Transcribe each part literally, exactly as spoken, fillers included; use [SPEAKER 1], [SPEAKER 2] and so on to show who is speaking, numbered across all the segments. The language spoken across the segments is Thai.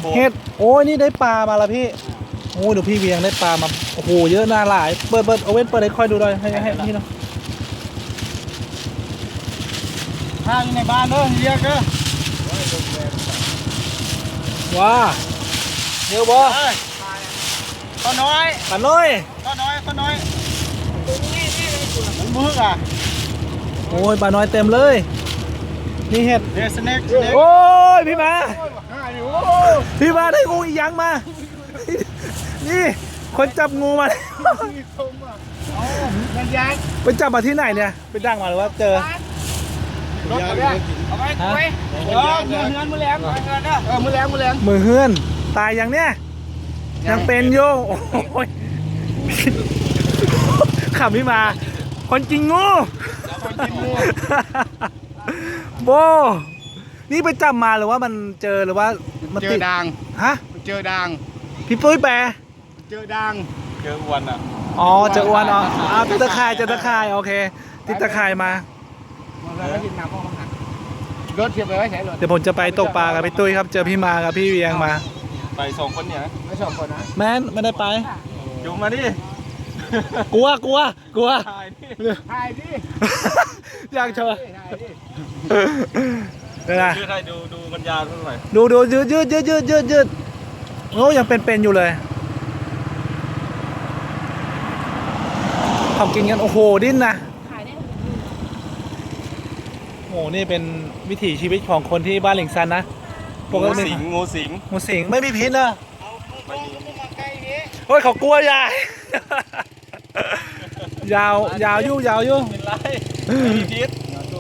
[SPEAKER 1] เห็ดโอ้ยนี่ได้ปลามาละพี่โอ้เดี๋ยวพี่เวียงได้ปลามาโอ้โหเยอะน่าหลายเปิดเปิดเอาเว้นเปิดให้ค่อยดูหน่อยให้ให้พี่เนาะ
[SPEAKER 2] ห้างในบ้านเนอะเรียกเนอะ
[SPEAKER 1] ว้าเดี๋ยวบอ
[SPEAKER 2] ก็น้อย
[SPEAKER 1] ปลาน้อย
[SPEAKER 2] ก็น้อยก็น้อยมันมึกอ่ะ
[SPEAKER 1] โอ้ยปลาน้อยเต็มเลยนี่เห็ด
[SPEAKER 2] เดสเน็ก
[SPEAKER 1] โอ้ยพี่มาพี่มาได้งูอีกยังมานี่คนจับงูมา
[SPEAKER 2] มันยักษ์
[SPEAKER 1] ไปจับมาที่ไหนเนี่ยไปดังมาหรือว่าเจอ
[SPEAKER 2] รถเนี่ยเอาไปเอาไปเออมือเฮือนมือแรงเออมือแรงมือแรง
[SPEAKER 1] มือเฮือนตายยังเนี่ยยังเป็นโยโอ้ยขับพี่มาคนจริงงูโบนี่ไปจับมาหรือว่ามันเจอหรือว่ามัน
[SPEAKER 2] เจอด่าง
[SPEAKER 1] ฮะ
[SPEAKER 2] เจอด่าง
[SPEAKER 1] พี่ปุ้ยแปร
[SPEAKER 2] เจอด่างเจออ้วนอ่ะ
[SPEAKER 1] อ๋อเจออ้วนอ๋ออ้าวติดตะข่ายเจอตะข่ายโอเคติดตะข่ายมาร
[SPEAKER 2] ถเทียบไปไว้ใช้รถ
[SPEAKER 1] เดี๋ยวผมจะไปตกปลากับพี่ตุ้ยครับเจอพี่มากับพี่เวียงมา
[SPEAKER 2] ไปสองคนเนี่ยไม่สองคนนะ
[SPEAKER 1] แม่นไม่ได้ไป
[SPEAKER 2] อยู่มาดิ
[SPEAKER 1] กลัวกลัวกลัว
[SPEAKER 2] ถ่ายดิถ่ายดิ
[SPEAKER 1] อยากเชิญเดี๋ยวนะ
[SPEAKER 2] ยืดให้ดูดูมันยาวเท่าไหร่
[SPEAKER 1] ดูดูยืดยืดยืดยืดยืดยืดโอ้ยังเป็นๆอยู่เลยเขากินกันโอ้โหดิ้นนะโอ้โหนี่เป็นวิถีชีวิตของคนที่บ้านหลิงซันนะ
[SPEAKER 2] งูสิงงูสิง
[SPEAKER 1] งูสิงไม่มีพิษนะโอ้ยเขากลัวยายยาวยาวยุ่ยาวยุ่
[SPEAKER 2] เป็นไรไม่มีพิษ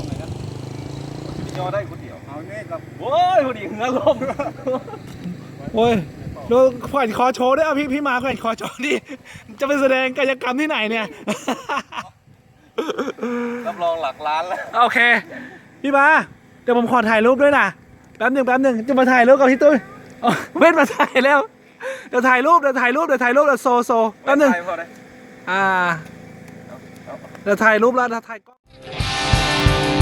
[SPEAKER 2] ยอได้คนเดียวเอาเนี่ยกับโอ้ยคนเดียวเงื้อลม
[SPEAKER 1] โอ้ยดูแขวนคอโชว์ด้วยอ่ะพี่พี่มาแขวนคอโชว์ดิจะไปแสดงกายกรรมที่ไหนเนี่ย
[SPEAKER 2] รับรองหลักล้านแล้ว
[SPEAKER 1] โอเคพี่มาเดี๋ยวผมขอถ่ายรูปด้วยนะแป๊บหนึ่งแป๊บหนึ่งจะมาถ่ายรูปกับพี่ตุ้ยเว้นมาถ่ายแล้วเดี๋ยวถ่ายรูปเดี๋ยวถ่ายรูปเดี๋ยวถ่ายรูปเดี๋ยวโซโซแป๊บหนึ่งอ่าเดี๋ยวถ่ายรูปแล้วเดี๋ยวถ่ายกล้อง